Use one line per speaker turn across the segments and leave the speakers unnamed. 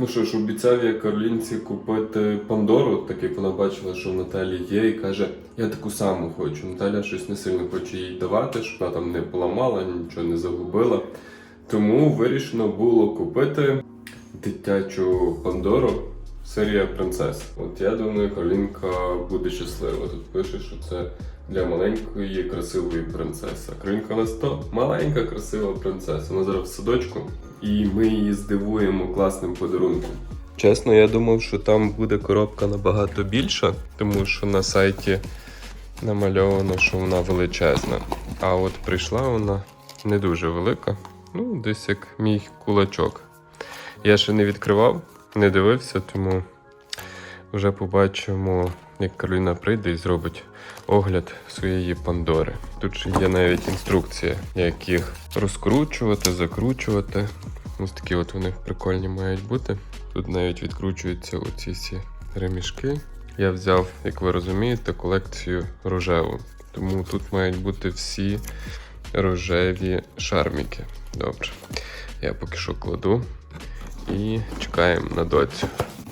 що ж, обіцяв я Каролінці купити Пандору, так як вона бачила, що в Наталі є, і каже, я таку саму хочу. Наталя щось не сильно хоче їй давати, щоб вона там не поламала, нічого не загубила. Тому вирішено було купити дитячу Пандору, серія принцес. От я думаю, Каролінка буде щаслива. Тут пише, що це для маленької красивої принцеси. Каролінка у нас то маленька красива принцеса. Вона зараз в садочку. І ми її здивуємо класним подарунком. Чесно, я думав, що там буде коробка набагато більша, тому що на сайті намальовано, що вона величезна. А от прийшла вона не дуже велика, ну десь як мій кулачок. Я ще не відкривав, не дивився, тому вже побачимо, як Кароліна прийде і зробить огляд своєї Пандори. Тут ще є навіть інструкція, як їх розкручувати, закручувати. Ось такі от вони прикольні мають бути. Тут навіть відкручуються оці всі ремішки. Я взяв, як ви розумієте, колекцію рожеву. Тому тут мають бути всі рожеві шарміки. Добре. Я поки що кладу і чекаємо на доцю.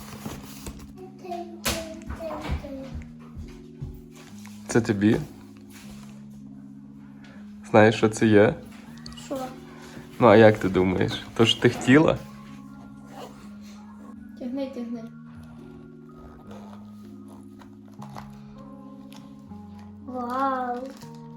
Це тобі? Знаєш, що це є?
Що?
Ну, а як ти думаєш? То ж ти хотіла?
Тягни. Вау.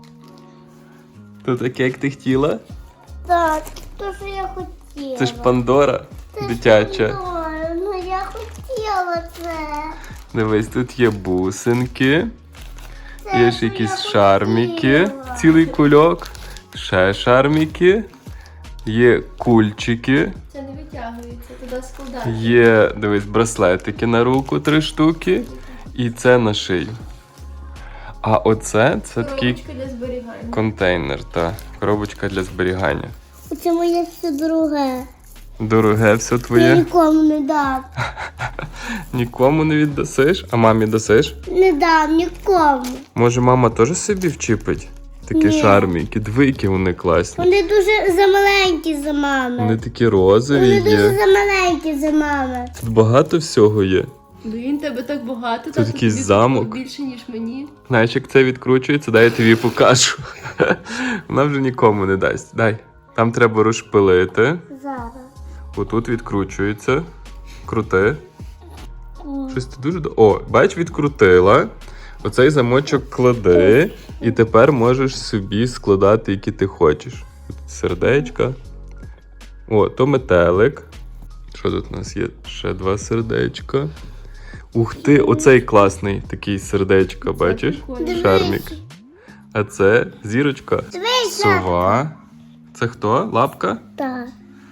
То таке, як ти хотіла?
Так, то, що я хотіла.
Це ж Пандора дитяча.
Пандора, ну я хотіла це.
Дивись, тут є бусинки,
Це
є
що
ж якісь
я
шарміки,
хотіла.
цілий кульок, ще шарміки, є кульчики,
Це не витягується, туди складається.
є, дивись, браслетики на руку 3 штуки, і це на шию. А оце, це такий
Коробочка для зберігання.
контейнер, та коробочка для зберігання.
Оце моє все друге.
Дороге все
Я
твоє.
нікому не дам.
Нікому не віддасиш, а мамі дасиш?
Не дам нікому.
Може, мама теж собі вчипить? Такі
Ні.
шарміки, диви, які вони класні.
Вони дуже замаленькі за мами.
Вони такі розові
Вони дуже
є.
замаленькі за мами.
Тут багато всього є.
Блін, тебе так багато.
Тут якийсь замок.
Більше, ніж мені.
Знаєш, як це відкручується? Дай я тобі покажу. Вона вже нікому не дасть. Дай. Там треба розшпилити.
Зараз.
Отут відкручується. Крути. Щось ти дуже... О, бач, відкрутила. Оцей замочок клади. І тепер можеш собі складати, які ти хочеш. Тут сердечка. О, то метелик. Що тут у нас є? Ще 2 сердечка. Ух ти, оцей класний такий сердечко, бачиш?
прикольно.
Шармік. А це зірочка. Сова. Це хто? Лапка?
Так.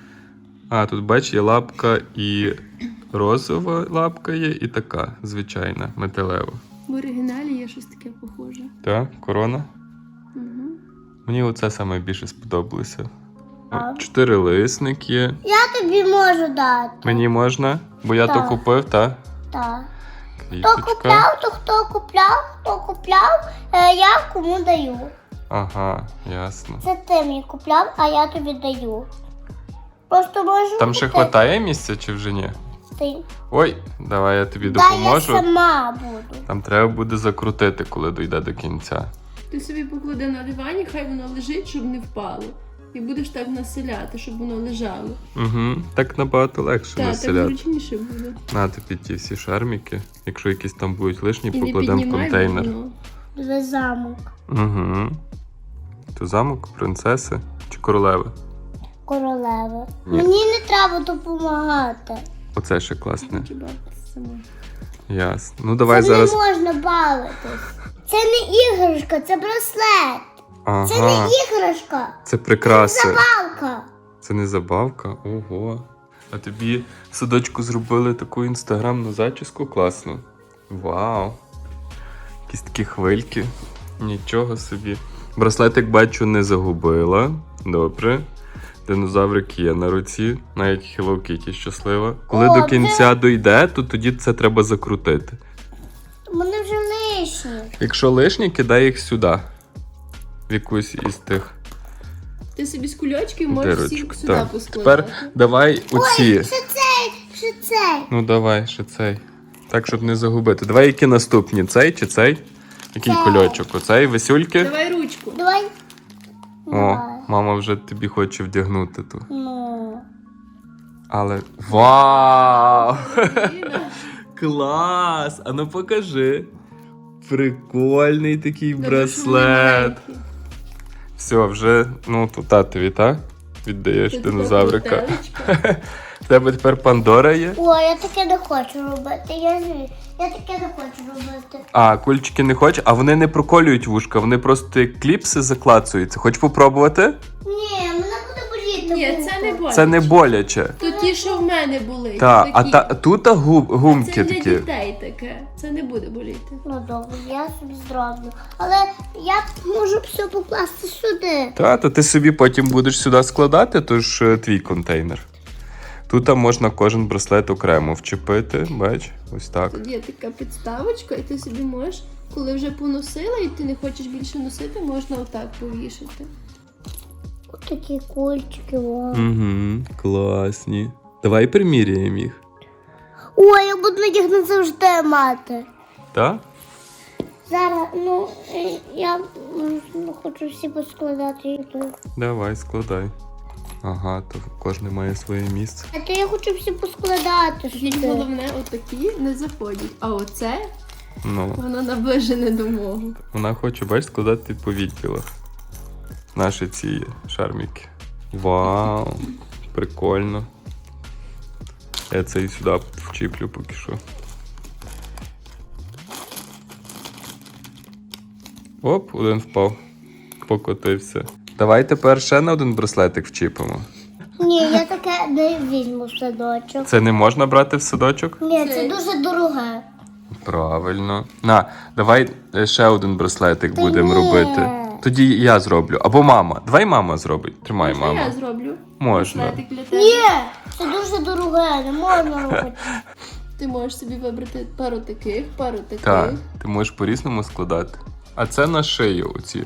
А, тут бач, є лапка і розова лапка є, і така звичайна, металева.
В оригіналі є щось таке похоже.
Так, корона.
Угу.
Мені оце саме більше сподобалося.
А?
4 лисник є.
Я тобі можу дати.
Мені можна? Бо я то
Так.
купив, так?
Так. Хто
Квіточка.
купляв, то хто купляв, я кому даю.
Ага, ясно.
Це ти мені купляв, а я тобі даю. Просто можу
Там ще
купити.
хватає місця чи вже ні?
Ти.
Ой, давай я тобі
Да, я
допоможу.
сама буду.
Там треба буде закрутити, коли дійде до кінця.
Ти собі поклади на дивані, хай воно лежить, щоб не впало. І будеш так населяти, щоб воно лежало.
Угу. Так набагато легше
Так, так
населяти.
зручніше буде.
На тобі ті всі шарміки. Якщо якісь там будуть лишні,
І не
покладемо в
піднімай
контейнер.
воно.
Диви замок.
Угу. То замок, принцеси чи королеви?
Королева.
Ні.
Мені не треба допомагати.
Оце ще класне.
Хочу бавитися сама.
Ясно. Ну давай
Це
зараз.
не можна бавитись. Це не іграшка, це браслет. Це не
Ага.
іграшка.
Це прикраси.
Забавка.
Це не забавка? Ого. А тобі в садочку зробили таку інстаграмну зачіску класну. Вау. Якісь такі хвильки. Нічого собі. Браслетик, бачу, не загубила. Добре. Динозаврик є на руці. Навіть Hello Kitty щаслива. Коли
О,
до кінця дойде, то тоді це треба закрутити.
Вони вже лишні.
Якщо лишні, кидай їх сюди. В якусь із тих
Ти собі з кульочків можеш всіх
дирочок.
сюди
Так.
поскладати.
Тепер давай оці.
Що це? Ще цей.
Ну давай, ще цей. Так, щоб не загубити. Давай які наступні? Цей чи цей? Який
Цей.
кульочок? Оцей, весюльки?
Давай ручку.
Давай.
О, мама вже тобі хоче вдягнути ту.
Ну.
Але. Вау!
Аліна.
Клас! А ну покажи. Прикольний такий
Добре, що
браслет.
вони маленькі.
Все, вже, ну, то татові, так? Віддаєш
Це
динозаврика.
така бутелечка.
В тебе тепер Пандора є?
О, я таке не хочу робити. Я таке не хочу робити.
А, кульчики не хочеш? А вони не проколюють вушка, вони просто як кліпси заклацуються. Хочеш попробувати?
Ні, мене буде боліти.
Ні, це не боляче.
Це не боляче.
То ті, що в мене були.
Так, а
такі.
тут гумки
Це для
такі.
дітей таке. Це не буде боліти.
Ну добре, я собі зроблю. Але я можу все покласти сюди.
То ти собі потім будеш сюди складати, тож твій контейнер. Тут можна кожен браслет окремо вчепити, бач, ось так.
Тут є така підставочка, і ти собі можеш, коли вже поносила і ти не хочеш більше носити, можна отак повішати.
Ось такі кульчики. О.
Угу, класні. Давай приміряємо їх.
Ой, я буду їх не завжди мати.
Так?
Зараз, я хочу всі поскладати їх тут.
Давай, складай. Ага, то кожен має своє місце.
А то я хочу всі поскладати
Тільки
сюди.
головне, отакі не заходять. А оце,
Ну,
воно наближене до мого.
вона хоче, бач, складати по відділах. Наші ці шарміки. Вау, прикольно. Я цей сюди вчіплю поки що. Оп, один впав. Покотився. Давай тепер ще на один браслетик вчіпимо.
Ні, я таке не візьму в садочок.
Це не можна брати в садочок?
Ні, це дуже дороге.
Правильно. На, давай ще один браслетик
Та
будемо
ні.
робити. Тоді я зроблю. Або мама. Давай мама зробить. Тримай,
Можна
мама.
я зроблю?
Можна.
Браслетик для тебе.
Ні, це дуже дороге, не можна робити.
Ти можеш собі вибрати пару таких, пару таких.
Так, ти можеш по-різному складати. А це на шию оці.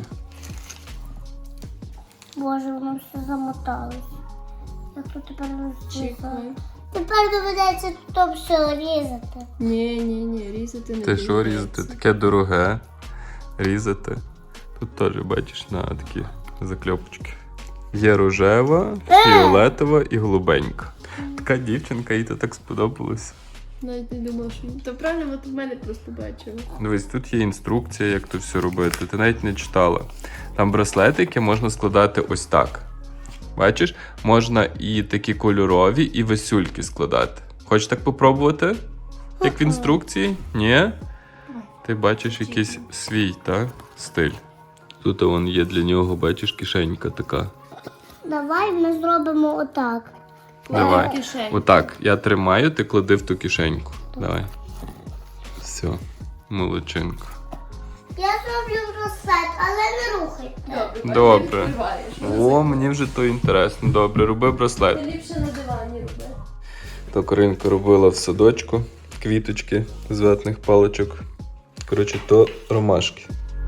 Боже, воно все замоталось. Як тут тепер розрізати?
Чекай.
Тепер доведеться тут все різати.
Ні, різати не
Ти що
доведеться.
різати? Таке дороге. Різати. Тут теж бачиш на такі закльопочки. Є рожева, фіолетова і голубенька. Така дівчинка, їй то так сподобалось.
Навіть не думала, що... То правильно, от в мене просто бачила.
Дивись, тут є інструкція, як то все робити. Ти навіть не читала. Там браслетики можна складати ось так. Бачиш? Можна і такі кольорові, і весюльки складати. Хочеш так попробувати? Як в інструкції? Ні? Ти бачиш якийсь свій, так? Стиль. Тут вон є для нього, бачиш, кишенька така.
Давай ми зробимо отак.
Давай.
в кишеню.
Отак. Я тримаю, ти клади в ту кишеньку. Давай. Все. Молодчинка.
Я зроблю браслет, але не рухайте.
Добре.
Не відкриваєш.
О, мені вже то інтересно. Добре, роби браслет.
Ти ліпше на дивані роби.
То Каринка робила в садочку квіточки з ватних паличок. Коротше, то ромашки.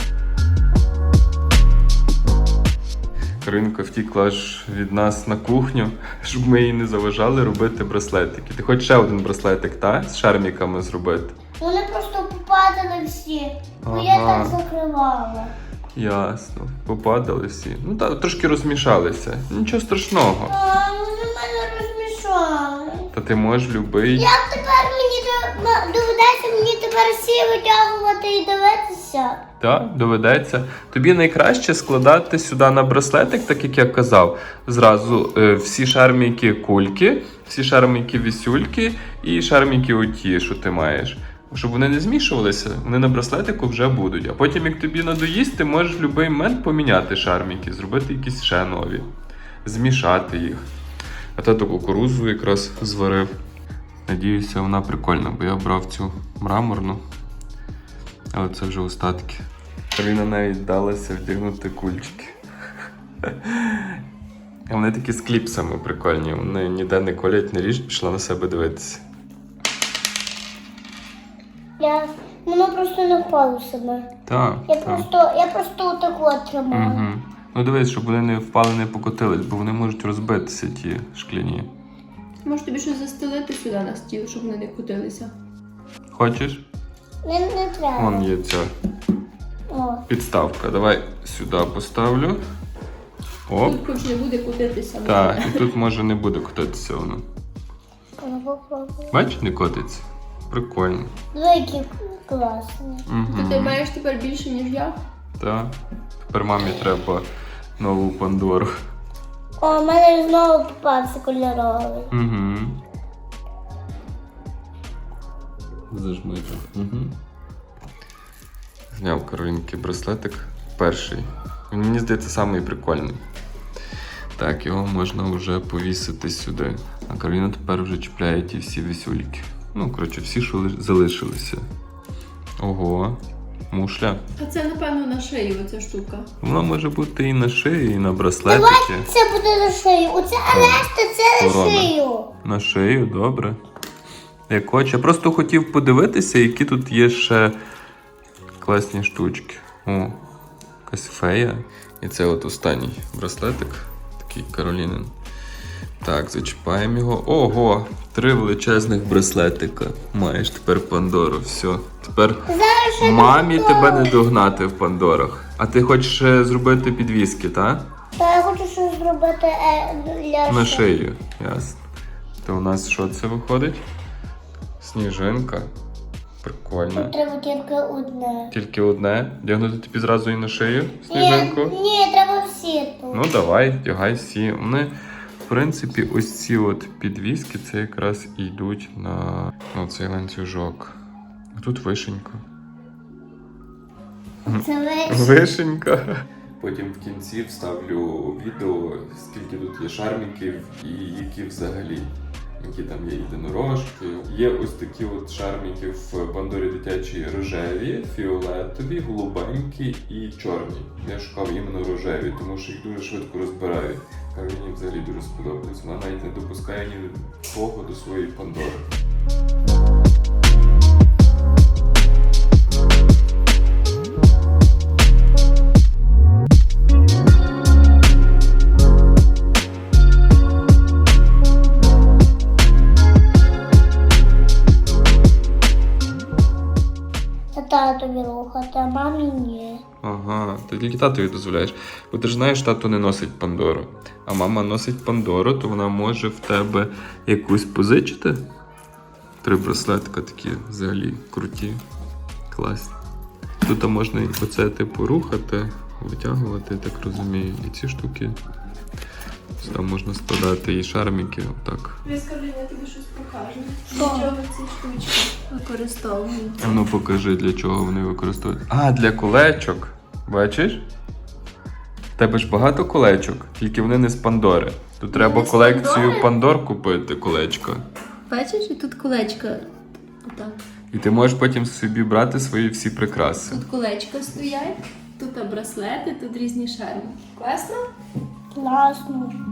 Каринка втікла аж від нас на кухню, щоб ми їй не заважали робити браслетики. Ти хочеш ще один браслетик, та? З шарміками зробити?
Вони просто попадали всі, бо я
Ага.
так закривала.
Ясно. Попадали всі. Ну так, трошки розмішалися. Нічого страшного.
А, вони мене розмішали.
Та ти можеш любий.
Як тепер доведеться мені тепер всі витягувати і дивитися?
Так, доведеться. Тобі найкраще складати сюди на браслетик, так як я казав. Зразу всі шарміки кульки, всі шарміки вісюльки і шарміки оті, що ти маєш. Щоб вони не змішувалися, вони на браслетику вже будуть. А потім, як тобі надоїсть, ти можеш в будь-який момент поміняти шарміки, зробити якісь ще нові, змішати їх. А тато кукурудзу якраз зварив. Надіюся, вона прикольна, бо я брав цю мраморну. Але це вже остатки. Карина навіть вдалася вдягнути кульчики. А вони такі з кліпсами прикольні. Вони ніде не колять, не ріжуть, пішла на себе дивитися.
Воно просто не впало в себе.
Так,
Я
так.
просто отаку от тримала.
Угу. Ну дивись, щоб вони не впали, не покотились, бо вони можуть розбитися, ті шкляні.
Може тобі щось застелити сюди на стіл, щоб вони не крутилися.
Хочеш?
Не треба.
Вон є ця
О.
підставка. Давай сюди поставлю. Оп.
Тут хоч не буде крутитися.
Так, і тут може не буде котитися воно.
Ну, попробуй.
Бач, не котиться. Прикольно.
Який класний.
То ти
Угу.
маєш тепер більше, ніж я?
Так. Тепер мамі треба нову Пандору.
О, в мене знову попався кольоровий.
Угу. Зажми. Угу. Зняв Каролінки браслетик. Перший. Він, мені здається, самий прикольний. Так, його можна вже повісити сюди. А Кароліна тепер вже чіпляє ті всі вісюльки. Ну, коротше, всі, що залишилися. Ого, мушля.
А це, напевно, на шиї оця штука.
Вона може бути і на шиї, і на браслетики.
Це буде на шию. Оце решта, це на
Корона.
шию.
На шию, добре. Як хоче. Я просто хотів подивитися, які тут є ще класні штучки. О, якась фея. І це от останній браслетик, такий Каролінин. Так, зачіпаємо його. Ого! 3 величезних браслетика. Маєш тепер Пандору. Все. Тепер
Зараз ще
мамі
Пандору.
тебе не догнати в Пандорах. А ти хочеш ще зробити підвіски, так?
Та я хочу щось зробити для
На шию. Ясно. То у нас що це виходить? Сніжинка. Прикольно.
Треба тільки одне.
Тільки одне. Вдягнути тобі зразу і на шию
Ні,
сніжинку?
ні, треба всі тут.
Ну давай, вдягай всі. Вони, в принципі, ось ці от підвіски, це якраз і йдуть на цей ланцюжок. А тут вишенька.
Це весь.
Вишенька. Потім в кінці вставлю відео, скільки тут є шарміків і які взагалі. Які там є єдинорожки. Є ось такі от шарміки в Пандорі дитячій рожеві, фіолетові, голубенькі і чорні. Я шукав іменно рожеві, тому що їх дуже швидко розбирають. А мені взагалі дуже сподобалось. Вона навіть не допускає ні того до своєї Пандори.
Це татові рухати, а мамі ні.
Ага, ти тільки татові дозволяєш. Бо ти ж знаєш, тато не носить Пандору. А мама носить Пандору, то вона може в тебе якусь позичити. 3 браслетка такі взагалі круті, класні. Тут можна і оце типу рухати, витягувати, так розумію. І ці штуки. Сюди можна складати і шарміки, отак.
Скажи, я тобі щось покажу.
Що?
Для чого ці штучки використовують?
А ну покажи, для чого вони використовують. А, для колечок. Бачиш? В тебе ж багато колечок, тільки вони не з Пандори. Тут треба
не з
колекцію
Пандори?
Пандор купити, колечка.
Бачиш, і тут колечка. Отак.
І ти можеш потім собі брати свої всі прикраси.
Тут колечка стоять, тут браслети, тут різні шарми. Класно?
Класно.